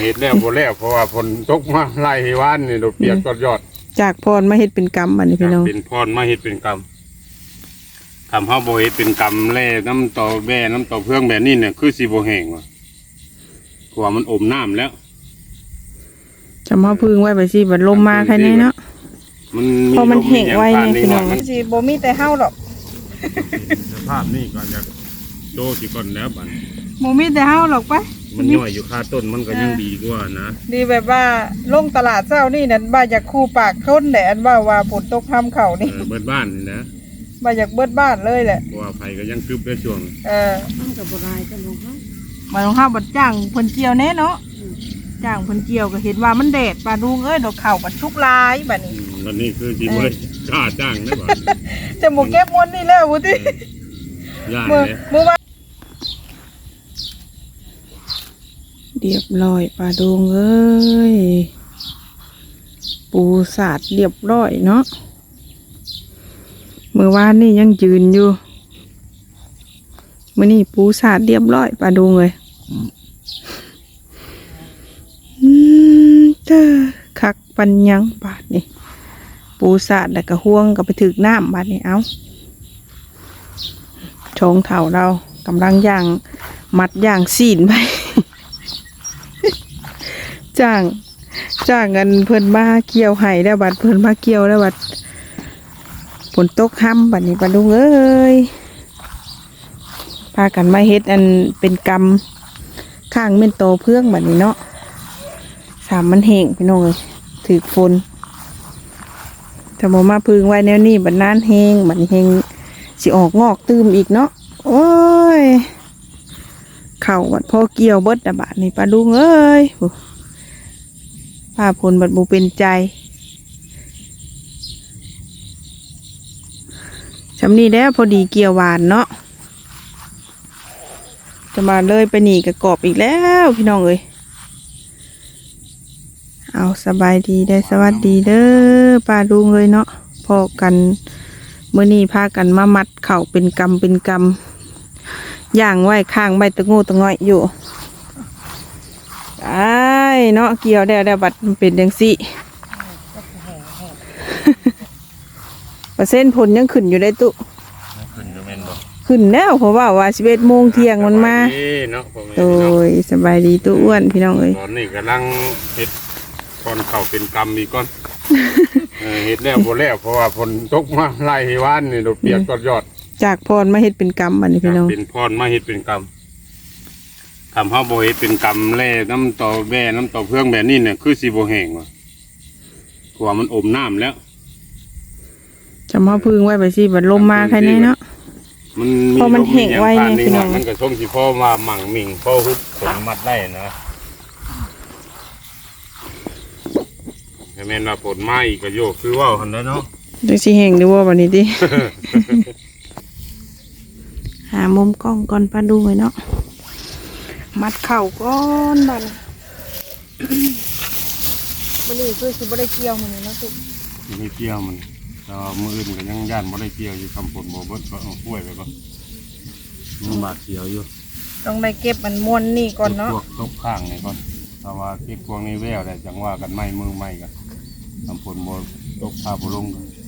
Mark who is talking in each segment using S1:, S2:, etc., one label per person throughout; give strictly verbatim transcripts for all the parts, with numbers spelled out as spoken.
S1: เห็ดแล้วบ่แล้วเพราะว่าฝนตกมาไล่วานนี่ดอกเปียกก็ยอด
S2: จากพรมาเฮ็ดเป็นกรรมอันนี้พี่น้อง
S1: เป็นพรมาเฮ็ดเป็นกรรมทำเฮาบ่เฮ็ดเป็นกรรมแล่น้ำต่อแบ่น้ำต่อเพื่องแบบนี้เนี่ยคือสิบ่แห้งว่ะเพราะว่ามันอมน้ำแล้ว
S2: จะมาพึ่งไว้ไปสิบัดลมมาแค่นี้เนาะ
S1: มัน
S2: พอมันแห้งไว้เนี่ยพี่น้องสิบ่มีแต่เฮาหรอก
S1: สภาพนี่ก่อนอยากโตสิก่อนแล้วบัด
S2: บ่มีแต่เฮาหรอกไป
S1: มันย่อยอยู่คาต้นมันก็ยังดีกว่านะ
S2: ดีแบบว่าลงตลาดเช้านี่นั่นบ่อยากคู่ปากทนแหละอันว่าว่าฝนตกทำเข้านี่
S1: เบิดบ้านนี่นะ
S2: บ่อยากเบิดบ้านเลยแหละ
S1: เพราะว่าไผก็ยังคึบได้ช่วง
S2: เออมันก็บ่ได้กันลูกเนาะมาลงข้าวบัดจ้างเพิ่นเกี่ยวแน่เนาะจ้างเพิ่นเกี่ยวก็เห็นว่ามันแดดปลาดุงเอ้ยดอกข้าวบัดชุกลายบัดนี้
S1: บัดนี้คือสิบ่ได้กล้าจ้างได้บ่
S2: จะบ่เก็บมวนนี่แล้วบ่ติ
S1: ย่านเลย
S2: มื้อว่าเรียบร้อยปลาดุงเอ้ยปูสาดเรียบร้อยเนาะเมื่อวานนี่ยังยืนอยู่มื้อนี้ปูสาดเรียบร้อยปลาดุงเลยอืมเจ้าคักปัญญังบาดนี่ปูสาดแล้วก็ห่วงก็ไปถึกน้ำบาดนี่เอาชงเถ่าเรากำลังย่างมัดย่างซีนไปจ้างจ้างเงินเพิ่นมาเกี่ยวไห้แล้วบัดเพิ่นมาเกี่ยวแล้วบัดฝนตกค่ำบัดนี้ปลาดุงเอ้ยพากันมาเฮ็ดอันเป็นกรรมข้างเม่นโตเพื่องบัดนี้เนาะสามมันแห้งพี่น้องเลยถือฝนถ้าบ่มาพึ่งไว้แนวนี้บัดนานแห้งบัดนี้แห้งสิออกงอกตื้มอีกเนาะโอ้ยเข่าบัดพอเกี่ยวเบิดอะบัดนี้ปลาดุงเอ้ยป้าพลบัดบ่เป็นใจชำนี้แล้วพอดีเกี่ยวหวานเนาะจะมาเลยไปหนีกับกอบอีกแล้วพี่น้องเอ้ยเอาสบายดีได้สวัสดีเด้อป้าดุงเลยเนาะพอกันเมื่อนี้พากันมามัดเข่าเป็นกำเป็นกำย่างไว้ข้างใบตะงูตะง่อยอยู่ไอ้เนาะเกี่ยวได้ได้บัดมันเป็นยังสิเปอร์เซ็นต์ผลยังขึ้นอยู่ได้ตุ
S1: ขึ้นอยู่แม่นบ่
S2: ขึ้นแล้วเพราะว่าว่าสิบเอ็ดโมงเที่ยงมันมาโดยสบายดีตู้อ้วนพี่น้องเอ้ย
S1: ตอนนี้กำลังเฮ็ดก่อนเข้าเป็นกรรมอีกก่อนเฮ็ดแล้วบ่แล้วเพราะว่าฝนตกมาไล่วานนี่ดอกเปียกก็ยอด
S2: จากพรมาเฮ็ดเป็นกรรมอันนี้พี่น้อง
S1: เป็นพรมาเฮ็ดเป็นกรรมทำเฮาบ่เฮ็ดเป็นกรรมแล่น้ำต่อแบ่น้ำต่อเพื่องแบบนี้เนี่ยคือสิบ่แห้งว่ะเพราะว่ามันอมน้ำแล้ว
S2: จะมาพึ่งไว้ไปสิบัดลมมาแค่นี้เนาะ
S1: มัน
S2: พอมันแห้งไว้เนี่ยพี่น้อง
S1: มันก็ช่วงที่พ่อมาหมั่งมิ่งพ่อฮุบผลมัดได้นะแม่นว่าผลไม้ก็โยกคือว่าหันได้เนาะ
S2: จังสิแห้งดูว่าวันนี้ดิหามุมกล้องก่อนปลาดูไว้เนาะมัดเข่าก้อนบันวันนี้คือสิบ่ได้เกี่ยวมันเนาะตุ๊ก
S1: บ่ได้เกี่ยวมันแต่มืออื่นก็ยังย่านบ่ได้เกี่ยวอยู่คำผลบ่เบิดก็เอาป่วยไปก่อนมันบาดเกี่ยวอยู่
S2: ต้องได้เก็บมันม้วนนี่ก่อนเนาะ
S1: พวกตกข้างนี่ก่อนถ้าว่าเก็บพวกนี้แววได้จังว่ากันไม้มือไม้กันคำผลบ่ตกพาบ่ลง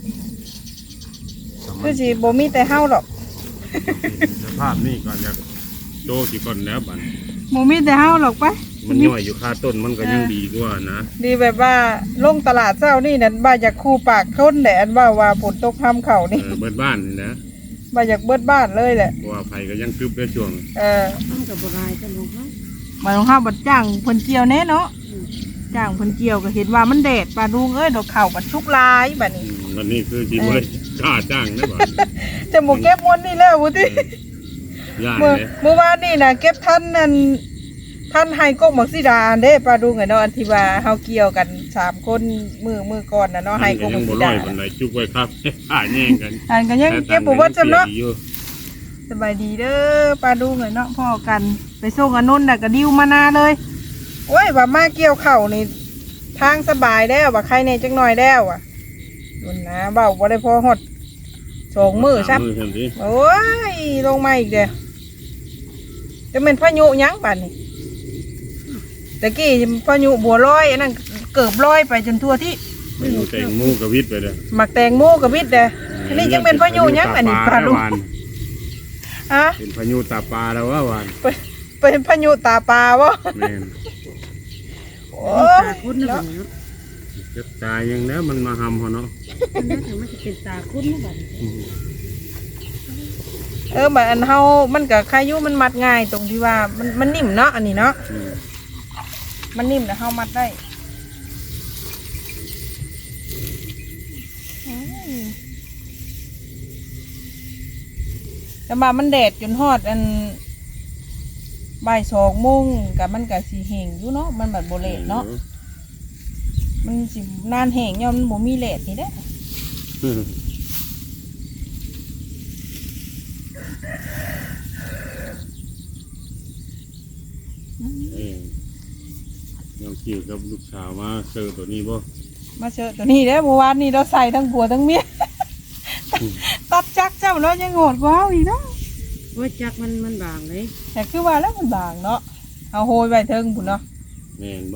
S2: คือสิบ่มีแต่เฮาหรอก
S1: สภาพนี่ก่อนอยากโตสิก่อนแล้วบัด
S2: บ่มีแต่เฮาหรอกไป
S1: มันย่อยอยู่คาต้นมันก็ยังดีกว่านะ
S2: ดีแบบว่าลงตลาดเช้านี่นั่นบ่อยากคู่ปากทนแหละอันว่าว่าฝนตกทำเข้านี่
S1: เบิดบ้านนี่นะ
S2: บ่อยากเบิดบ้านเลยแหละ
S1: เพราะว่าไผก็ยังคึบได้ช่วง
S2: เออมันก็บ่ได้กันลูกเนาะมาลงข้าวบัดจ้างเพิ่นเกี่ยวแน่เนาะจ้างเพิ่นเกี่ยวก็เห็นว่ามันแดดปลาดุงเอ้ยดอกข้าวบัดชุกลายบัดนี้
S1: บัดนี้คือสิบ่ได้กล้าจ้างได้บ่
S2: จะบ่เก็บมวนนี่แล้วบ่ติ
S1: ย่านเลย
S2: เมื่อวานนี่น่ะเก็บทันนั่นท่านให้กกหมักสีดาเด้ปลาดุงไงเนาะอันที่ว่าเฮาเกี่ยวกันสามคนมือมือก่อนน่ะเนาะให้กกหมักสีดา
S1: บันไดจุกไว้ครับอ่าแย่งกัน
S2: อ่านกันยังเก็บบ่เบิดจำเนาะสบายดีเด้อปลาดุงไงเนาะพ่อกันไปส่งอนุนน่ะก็ดิ้วมานาเลยโอ้ยว่ามาเกี่ยวข้าวนี่ทางสบายแล้วว่าใครเนี่ยจังหน่อยแล้วอ่ะนุ่นนะเบาบ่ได้พอฮอดสองมือซับโอ้ยลงมาอีกเด้อจะเป็นพายุยั้งป่านนี่ตะกี้พายุบัวลอยอันนั้นเกือบลอยไปจนทั่วที่
S1: พายุแตงโมกับวิทย์ไปเลย
S2: หมักแตงโมกับวิทย์เด้ออันนี้ยังเป็นพายุยังอันนี้ปลาลูกฮะ
S1: เป็นพายุตาปลาแล้วว่าวาน
S2: เป็นเป็นพายุตาปลาวะ
S1: แม่น
S2: โอ้
S3: ตาคุ้นนะบัดนี้เนาะ
S1: เจ็บตายยังแล้วมันมาหำเขาเนาะ
S3: มันน่าจะมันจะเป็นตาคุ้นนะบัดนี้
S1: อืม
S2: เออแบบอันเฮามันกับคายุมันมัดง่ายตรงที่ว่ามันมันนิ่มเนาะอันนี้เนาะ
S1: อืม
S2: มันนิ่มแต่เฮามัดได้อืมแต่มามันแดดจนฮอดอันบ่ายสองโมงกับมันกับสีแห้งอยู่เนาะมันแบบโบเลตเนาะมันสินานแห้งย่อมมันบ่มีเลดนี่เด้
S1: อืมเอ้ยยังขี่กับลูกสาวมาเจอตัวนี้บ่
S2: มาเจอตัวนี้เด้เมื่อวานนี้เราใส่ทั้งผัวทั้งเมีย ตัดจักเจ้าแล้วยังโหดกว่าเอาอีกเนาะ
S3: ว่าจักมันมันบางเลย
S2: แต่คือว่าแล้วมันบางเนาะเอาโหยไปเทิงพุ่นเนาะ
S1: แม่นบ่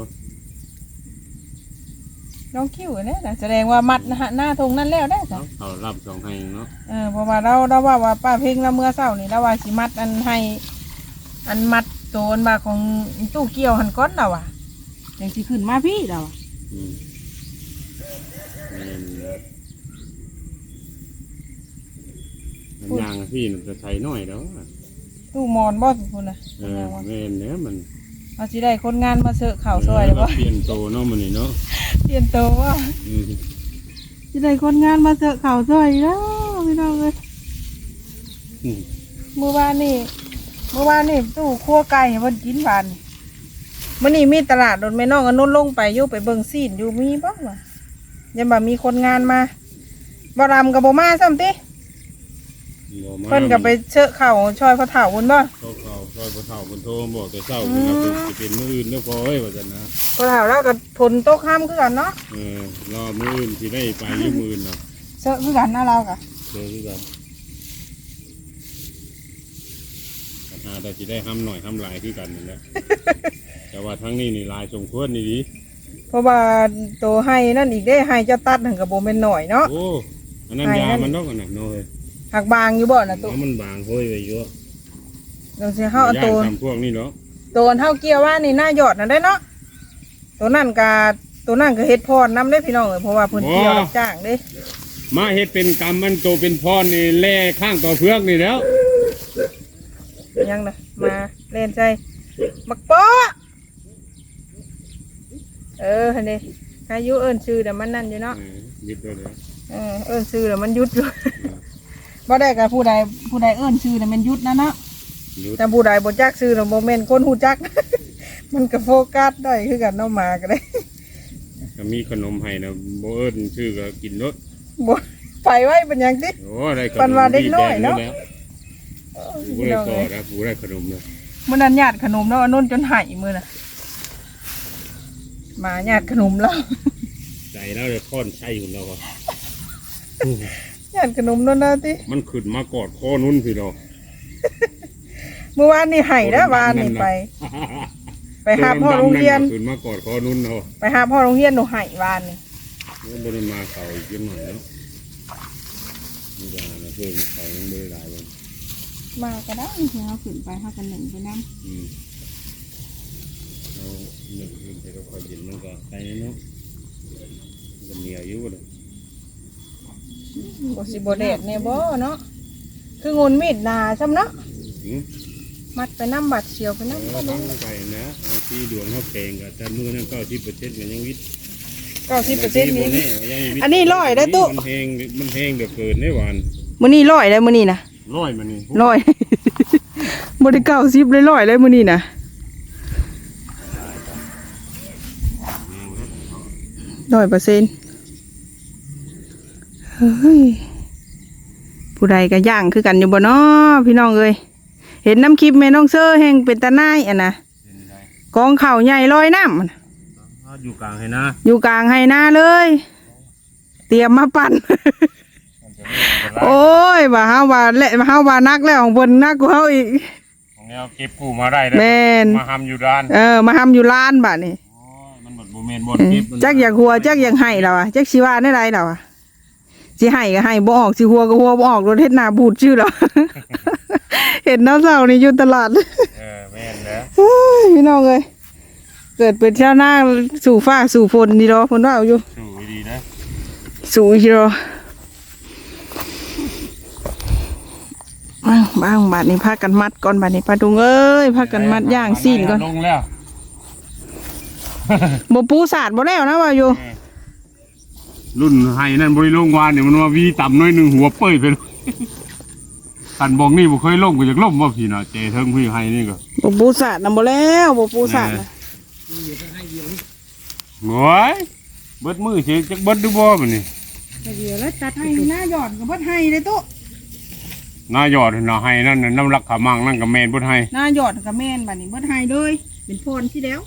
S2: น้องคิ้วเนี่ยนะแสดงว่ามัดนะฮะหน้าทงนั่นแล้วได้จ้ะ
S1: เอาเขารับสองให้เนาะ
S2: เออเพราะว่าเราเราว่าว่าป้าเพ่งเราเมื่อเช้านี่เราว่าสิมัดอันให้อันมัดโซนมาของตู้เกี่ยวหันก้อนเราอ่ะอย่างสิขึ้นมาพี่เราอะ
S1: อืมแม่นมันยางอะพี่มันจะใช้น้อยแล้วอะ
S2: ตู้มอนบ่พุ่นน่ะ
S1: เออแม่นเนี้ยมัน
S2: เอาสิได้คนงานมาเสอะข่าวซอยเลยบ่
S1: เปลี่ยนโตเนาะมันนี่เนาะ
S2: เปลี่ยนโตวว่า
S1: อืม
S2: สิได้คนงานมาเสอะข่าวซอยแล้วพี่น้องเอ้ย
S1: อืม
S2: เมื่อวานนี่เมื่อวานนี่ตู้ครัวไก่ให้เพิ่นกินหวานนี่มื้อนี้มีตลาดโดนแม่น้องอนนุนลงไปอยู่ไปเบิ่งซีนอยู่มีบ่วะยังบ่มีคนงานมาบ่รำกับบ่มาซ้ำติ
S1: บ่มา
S2: เพิ่นก็ไปเชอะเข่าช่อยพระเฒ่าพุ่นบ่
S1: เขาเขาซอยบ่เฒ่าเพิ่นโทรมาบอกแต่เช้าเพิ่นว่าเป็นสิเป็นมื้ออื่นเด้อพอเอ้ยว่าซั่นนะ
S2: พระเฒ่าแล้วก็ฝนตกห้ามคือกันเนาะ
S1: เออรอมื้ออื่นสิได้ไปอยู่มื้ออื่นเนาะ
S2: เชอะคือกันนะเราก็
S1: เจอคือกันปัญหาแต่สิได้ห้ำหน่อยห้ำหลายคือกันนั่นแหละ แต่ว่าทั้งนี้นี่หลายสมควรนี่ดิ
S2: เพราะว่าโตให้นั่นอีกได้ให้เจ้าตัดหันก็บ่แม่นน้อยเนาะ
S1: โอ้อันนั้น
S2: ให้
S1: ยา
S2: นั่น
S1: มันดอกอันน่ะน้อย
S2: หักบางอยู่บ่น่ะตู้
S1: แล้วมันบางห้อยไว้อยู่
S2: เดี๋ยวสิเฮาเอา
S1: ย่า
S2: โต
S1: นทำพวกนี้เนาะ
S2: โตนเฮาเกี่ยวว่านี่หน้าหยอดน่ะได้เนาะตัวนั่นก็ตัวนั่นก็เฮ็ดพรนำได้พี่น้องเอ้ยเพราะว่าเพิ่นเกี่ยวรับจ้างเด้
S1: มาเฮ็ดเป็นกรรมมันโตเป็นพรนี่แล่ข้างต่อเพือกนี่แล้ว
S2: ยังน่ะมาเล่นใจบักโป๊ะเออหั่นเด้อายุเอิ้นชื่อแต่มันนั่นอยู่เนาะ
S1: เออยึดไว้เลย
S2: เออเอิ้นชื่อแล้วมันหยุดอยู่ บ่ได้กับผู้ใดผู้ใดเอิ้นชื่อแล้วมันหยุดนะเนาะ
S1: ยึด
S2: แต่ผู้ใดบ่จักชื่อแล้วบ่แม่นคนฮู้จัก มันก็โฟกัสได้คือกันเนาะมาก็ได้
S1: ก็มีขนมให้นะบ่เอิ้นชื่อก็กินรส
S2: บ่ไปไว้เป็นหยังติ
S1: โอ้ได้ขนม
S2: ปันว่าเด็กน้อยเนาะ
S1: แล้วกูได้ก่อนะกูได้ขนมเลย
S2: มื้อนั้นญาติขนมแล้วอันนู้นจนไหายมื้อน่ะมาญาติขนมแล้ว
S1: ใจแล้วเลยค้อนใช่ของเราอะ
S2: ญาติขนมนั่นนะติ
S1: มันขึ้นมากอดคอนุ่นสิเรา
S2: เมื่อวานนี่ไหายแล้ววานนี่ไป ไปหาพ่อโรงเรียน
S1: ขึ้นมากอดคอนุ่นเรา
S2: ไปหาพ่อโรงเรียนหนูไหายวานนี่
S1: มันบ่ได้มาเขาอีกเยอะหน่อยเนาะมียานะเพิ่มเขายังไม่ได้หลายวัน
S2: มาก็ได้เฮาขึ้นไปเฮากันหนึ่งไปนำ
S1: อืมเราหนึ่งคืนแต่ก็คอยเย็นมันก็ไปเนาะมันก็เหนียวอยู่เลย
S2: บ่สิบ่แดดแน่บ่เนาะคืองนมีดหนาซ้ำเนาะ
S1: อืม
S2: มัดไปน้ำบัดเชียวไป
S1: เออ
S2: น้ำก็
S1: ตั้
S2: ได้
S1: งไปนะเอาที่ดวงเขาแข่งกับแต่มือนั่นเก้าสิบเปอร์เซ็นต์มันยังวิทย์
S2: เก้าสิบเปอร์เซ็นต์นี้
S1: ยังวิทย์
S2: อันนี้ร้อยได้ตู้
S1: มันแห้งมันแห้งเดือดเกินได้หวาน
S2: มื้อนี้ร้อยได้มื้อนี้นะ
S1: ร้อยมันนี่
S2: ร้อย บ่ได้เก้าสิบเลยร้อยเลยมื้อนี้นะร้อยเปอร์เซ็นต์เฮ้ยผู้ใดก็ย่างคือกันอยู่บ่เนาะพี่น้องเอ้ยเห็นน้ำคลิปแม่น้องเซอร์แห่งเป็นตาหน้ายอ่ะนะกองข้าวใหญ่ลอยน้ำอะนะ
S1: อยู่กลางให้นะ
S2: อยู่กลางไฮนาเลย เตรียมมาปั่น โอ้ยว่าเฮาว่าเละว่าเฮาว่านักแล้วของเพิ่นนักกว่าเฮาอีก
S1: ของแนวเก็บกู้มาได้แล้ว
S2: แม่น
S1: มาทำอยู่ด้าน
S2: เออมาทำอยู่ร้านบัดนี้
S1: โอ้ยมันหมดบ่แม่นบ่เก็บ
S2: จักอยากหัวจักอยากให้เราอะจักสิว่าได้ไรเราอะสิให้ก็ให้บ่ออกสิหัวก็หัวบ่ออกรถเฮ็ดหน้าบูดชื่อเรา เห็นน้าเศร้านี่อยู่ตลาด
S1: เออแม่นแล้ว
S2: เฮ้ยพี่น้องเอ้ยเกิดเป็นชาวนาสู่ฟ้าสู่ฝนดีดอเพิ่นว่าอยู่
S1: สู้ดีนะ
S2: สู่อีดอบ้างบ้างบัดนี้พากันมัดก่อนบัดนี้ปลาดุงเอ้ยพากันมัดย่างซีนก่อน
S1: ลงแล้ว
S2: บ่ปูสาดบ่แล้วนะว่าอยู่
S1: รุ่นไห้นั่นบริลงวานเนี่ยมันว่าวีต่ำน้อยหนึ่งหัวเป้ยไปเลยขันบอกนี่บ่เคยลงก็จากล่มว่าพี่เนาะเจเทิงพี่ไห้นี่ก็
S2: บ่ปูสาดนำบ่แล้วบ่ปูสาดน่ะ
S1: โอ้ยเบิดมือเสียจักเบิดดูบ่มันนี่
S3: เดี๋ยวแล้วตัด
S2: ให้
S3: ให้
S2: หน้าหย่อนก็บ่ให้เลยตุ๊
S1: หน้ายอดน่ะไห้นั่นน่ะน้ำรักขามังนั่นก็แม่นบ่ไห้
S2: หน้าหย่อนก็แม่นบัดนี้บ่ให้เลยเป็นพรที่แล้ว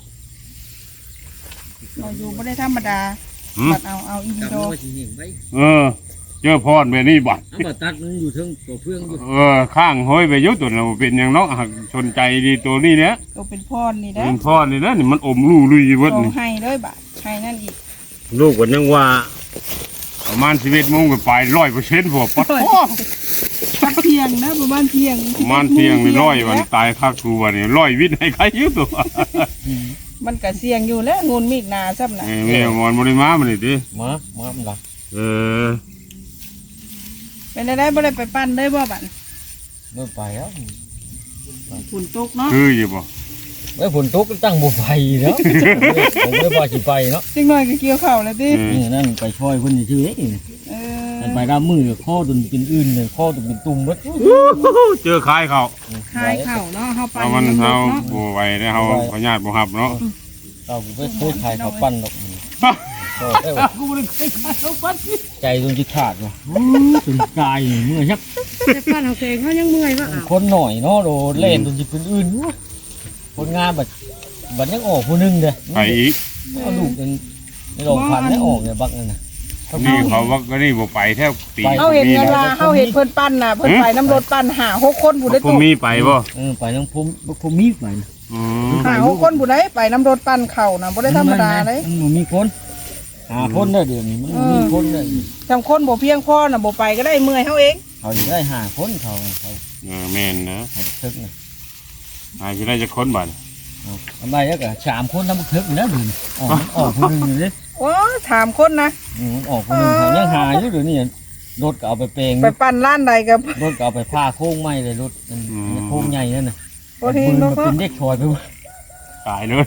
S2: เราอยู่บ่ได้ธรรมดา
S1: หืม
S2: บัดเอาเอาอีดี
S4: ตัด
S2: โด
S4: มันก็สิเห็นไว้
S1: เออ เจอพรแบบนี้บัด
S4: เอามาตัดมันอยู่เทิงตัวเพื่องอยู่
S1: เออข้างห้อยไปอยุตัวน่ะบ่เป็นหยังเนาะหักชนใจดีตัวนี้เนี่ย
S2: ตัวเป็นพรนี่เด้
S1: เป็นพรนี่นะนี่มันอมรูลุยเบิด
S2: ต้อง
S1: นี่
S2: ให้เลยบัดให้นั่นอีก
S1: ลูกก็ยังว่าประมาณสิบเอ็ดโมงก็ไปร้อยเปอร์เซ็นต์พวกปัดโอ้
S2: พักเที่ยงนะประมาณเที่ยง
S1: ประมาณเที่ยงนี่ร้อยวันตายคักกูวันนี้ร้อยวิทย์ให้ใครอยืตัว
S2: มันก็เสี่ยงอยู่แล้วงูนมีกหนาซ้ำน่ะ
S1: เออแม่มอนบริมามันนี่ดิ
S4: มามามันละ
S1: เออ
S2: เป็นได้บ่ได้ไปปั้นได้บ่บัด
S4: เมื่อไปแล้ว
S2: ฝนตกเนาะ
S1: คืออยู่บ่
S4: เมื่อฝนตกก็ตั้งบ่ไปแล้วผมไม่ว่าสิไปเนาะ
S2: จังน้อยก็เกี่ยวข้าวแล้วติ
S1: เออ
S4: นี่นั่นไปช่วยเพิ่นชื่อเอ้ย
S2: เอ
S4: มัน
S2: อ
S4: ไปรับมือข้อตุนเป็นอื่นเลยข้อตุนเป็นตุ่มเบิด
S1: เจอขายเขา
S2: คายข้าวเนาะเฮาปั้น
S1: เอามัน
S2: ำ
S1: เฮา
S2: เนาะ
S1: บ่ไหวได้เฮาพญาติบ่ฮับเนาะ
S4: เราไปโคตรขายข้าวปั้นดอกก็ได้ว่า
S2: กูบ่ได้เคยขายข้าวปั้น
S4: ใจจนจะขาดว่ะจนกายเมื่อยยัก
S3: แต่ป้านเอาเองเขายังเมื่อยว่าอ้าว
S4: คนหน่อยเนาะโดเล่นจนจะเป็นอื่นคนงานแบบบัดยังออกผู้นึงเด้อ
S1: ไปอีก
S4: เอาลูกกันในโรงพันได้ออกเนี่ยบักนั่นน่ะ
S1: นี่เขาว่าก็นี่บ่ไปแทบปี
S2: เฮาเห็นเงินว่าเฮาเห็นเพิ่นปั้นน่ะเพิ่นไปน้ำรถปั้นหาหกคนผู้ใด
S1: พว
S2: ตุ
S1: กมีไปบ่
S4: เออไปทั้งพุ่มพุ่มมีไป
S1: อืม
S2: หาหกคนผู้ใดไปน้ำรถปั้นข้าวน่ะบ่ได้ธรรมดาเลย
S4: มันมีคนหาคนได้เดือนนี้มันมีคนได้
S2: จำคนบ่เพียงพอน่ะบ่ไปก็ได้เมื่อยเฮาเอง
S4: เขาได้หาคนเขาเขา
S1: เออแม่นนะ
S4: เขาทึกนะ
S1: หายสิได้จักคนบัด
S4: ทำไมแล้วก็สามคนทำทึกนะเดือนออกออกคนนึงเลย
S2: โอ้ถามคนนะ
S4: ออกคนนึงยังหาอยู่เดี๋ยวนี้รถก็เอาไปเปลง
S2: ไปปั้นร้านใดกับ
S4: รถก็เอาไปผ้าโค้งไม้เลยรถโค้งใหญ่นั่นน่ะ
S2: บ่เฮง
S4: มั
S2: เนาะ
S4: นเป็นเด็กชอยไปวะ
S1: ตายเลย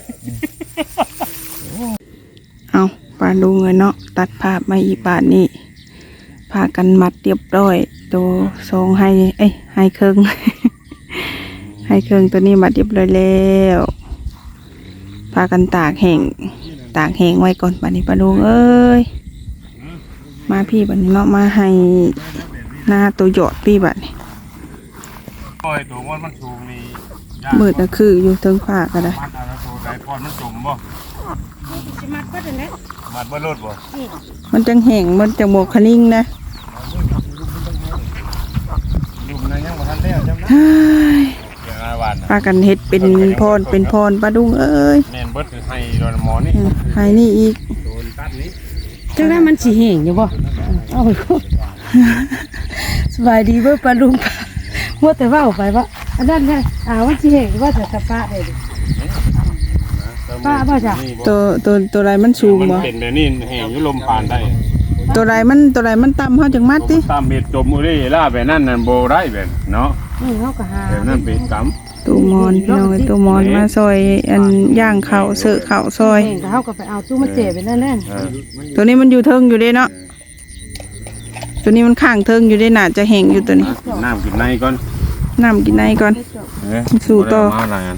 S2: เอาปาดูเงินเนาะตัดภาพมาอีกบาทนี้พากันมัดเรียบร้อยตัวทรงให้เอ้ยให้เครื่อง ให้เครื่องตัวนี้มัดเรียบร้อยแล้วพากันตากแห้งตากแห้งไว้ก่อนบัดนี้ปาดูเอ้ยมาพี่บัดนี้เนาะมาให้หน้าตัวหยอดพี่บัดนี้
S1: ปล่อยตัวมันมันสูงนี่ยาก
S2: มืดก็คืออยู่เทิงผ้าก็ได้
S1: มัดเอาแล้วตัวใดพรมันจมบ่
S3: สิมัดก็ได้แล้ว
S1: มัดบ่รถบ่
S2: มันจังแห้งมันจังโมกคนิ่งนะ
S1: อยู่มันยังบ่ทันแล้วจำนะ
S2: เฮ้ย
S1: เรื่องอาวันน่ะ
S2: พากันเฮ็ดเป็นพรเป็นพรปลาดุงเอ้ย
S1: แม่นเบิดคือให้โดนหมอนี่
S2: ให้นี่อีก
S1: โดนตัดนี้
S3: จังได้มันสิแห้งอยู่บ่เอาไปก็สบายดีเบ่ปลาลุงว่าแต่ว่าไปว่าอันนั้นไงอ่ามันสิแห้งว่าแต่สะปะได้ดิ ป้าบ่จ้ะ
S2: ตัวตัวตัวไรมันสูง
S1: มัน
S2: บ่
S1: เป็นแบบนี้แห้งอยู่ลมผ่านได้
S2: ตัวไรมันตัวไรมันต่ำเฮาจังมัดติ
S1: ตามเม็ดจมอุเร่ล่าแบบนั้นนั่นบ่ได้แบบเนาะ
S3: นี่เฮาก็หา
S1: แบบนั้นเป็นกรรม
S2: ตัวมอนพี่น้องเอ้ยตัวมอนมาซอยอันย่างข้าวเสอะข้าวซอย
S3: แห้งก็เฮาก็ไปเอาตู้มาเจ็บไปนั่นแหละ
S1: เออ
S2: ตัวนี้มันอยู่เทิงอยู่เด้เนาะตัวนี้มันข้างเทิงอยู่เด้น่าจะแห้งอยู่ตัวนี้
S1: กินน้ำกินในก่อน
S2: น้ำกินในก่อน
S1: เอ้ย
S2: สู่ต่อ
S1: บ่ได้มาหลายอัน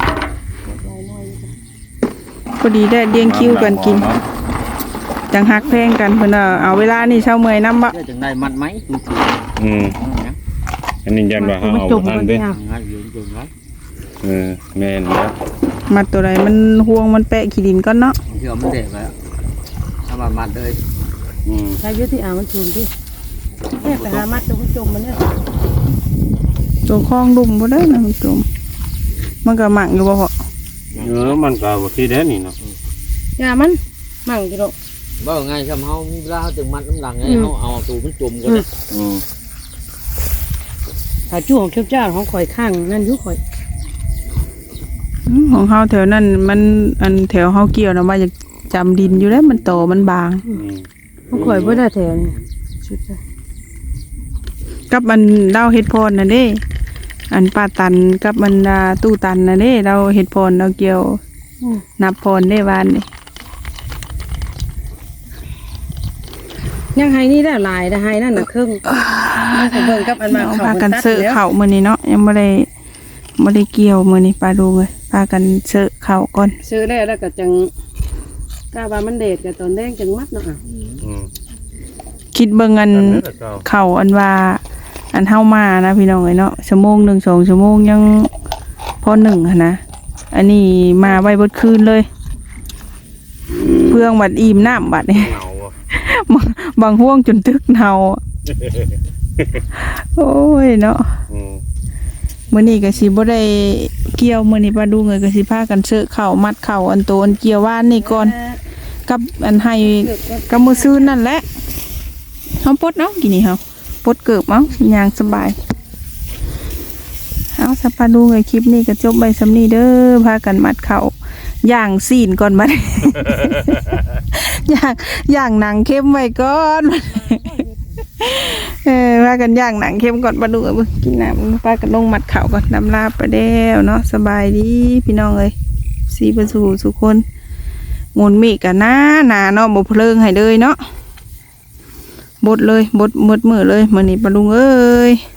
S2: พอดีได้เลี้ยงคิวกันกิน จังฮักแพงกันเพิ่นว่าเอาเวลานี่เช้าเมื่อยนำบ่
S4: จังได้มัดไหมดูสิ
S1: อืมอันนี้ยันว่าเฮา
S3: มัน
S1: เอา
S3: จม
S1: ทัน
S3: กัน
S1: เด้
S3: เนี่ย
S4: ง่ายเยอะจนไร
S1: เออแม่นแล้ว
S2: มัดตัวไรมันห่วงมันแปะขี้ดินก่อนเนาะ
S4: เดี๋ยวมันเด็กแล้วถ้ามามัดเลย
S1: อืม
S3: ใช้ยุติอ่ามันสูงดิแค่ไปหามัดตัวมันจมมันเนี่ย
S2: ตัวคลองดุมบ่ได้นะมันจมมันก็หมั่งอยู่บ่พอ
S1: เออมันก็บ่ที่แด้นี่เนาะ
S3: ยามันมั่งกี่ดอก
S4: บ่ไงทำเฮามีเวลาเฮาจึงมัดน้ำหลังไงเฮาเอาตูมันจุ่มก่อนเด้
S1: อืม
S3: ถ้าจู่ของเจ้าเจ้าของข่อยข้างนั่นอยู่ข่อย
S2: อืมของเฮาแถวนั้นมันอันแถวเฮาเกี่ยวนะว่าจะจำดินอยู่แล้วมันโตมันบาง
S1: อืม
S3: ของข่อยบ่ได้แถวนี่ชุดเลย
S2: กับมันเล่าเฮ็ดพรน่ะเด้อันป้าตันกับมันอ่าตู้ตันน่ะเด้เราเฮ็ดพรเราเกี่ยว
S3: อืม
S2: นับพรได้วานนี่
S3: ยังให้นี่ได้หลายได้ให้นั่นน่ะครึ่งมันก็เบิ่งกับอันมา
S2: เอา
S3: เข้า
S2: พา
S3: กั
S2: กัน น
S3: ตัด
S2: เสอะ
S3: แล้ว
S2: เข่ามื้อนี้เนาะยังบ่ได้บ่ได้เกี่ยวมื้อนี้ปลาดูเลยพากันเสอะเข่าก่อน
S3: ซื้อแล้วแล้วก็จังกะว่ามันเด็ดก็ตอนแดงจังมัดเนาะอ่ะ
S1: อืม
S2: คิดเบิ่งอัน
S1: ตอนนั้นแหละเจ้า
S2: เข่าอันว่าอันเฮามานะพี่น้องเอ้ยเนาะชั่วโมงหนึ่งสองชั่วโมงยังพอหนึ่งหั้นนะอันนี้มาไว้เบิดคืนเลย เพื่องบัดอิ่มน้ำบัดนี่
S1: เหงาอะ
S2: บางบางห่วงจนตึกเนาอะโอ้ยเนาะ
S1: อืม
S2: มื้อนี้ก็สิบ่ได้เกี่ยวมื้อนี้ปลาดูเอ้ยก็สิพากันเสอะเข่ามัดเข่าอันโตอันเกี่ยวว่านนี่ก่อนกับอันให้กับมือซื้อนั่นแหละเฮาปลดเนาะกินนี่เฮาปลดเกิบเอ้าย่างสบายเอาสัปปาดูเอ้ยคลิปนี้ก็จบไปสำนี้เด้อพากันมัดเข่าย่างซีนก่อนบัด ย่างย่างหนังเข้มไว้ก่อน เออพากันย่างหนังเข้มก่อนปลาดูเอ้ยเบิ่งกินน้ำพากันลงมัดเข่าก่อนน้ำลาบไปแล้วเนาะสบายดีพี่น้องเอ้ยสีประสูสุคนงนมีกันหน้าหนาเนาะบ่เพลิงให้เลยเนาะบดเลยบดหมดมือเลยมื้อนี้ปลาลุงเอ้ย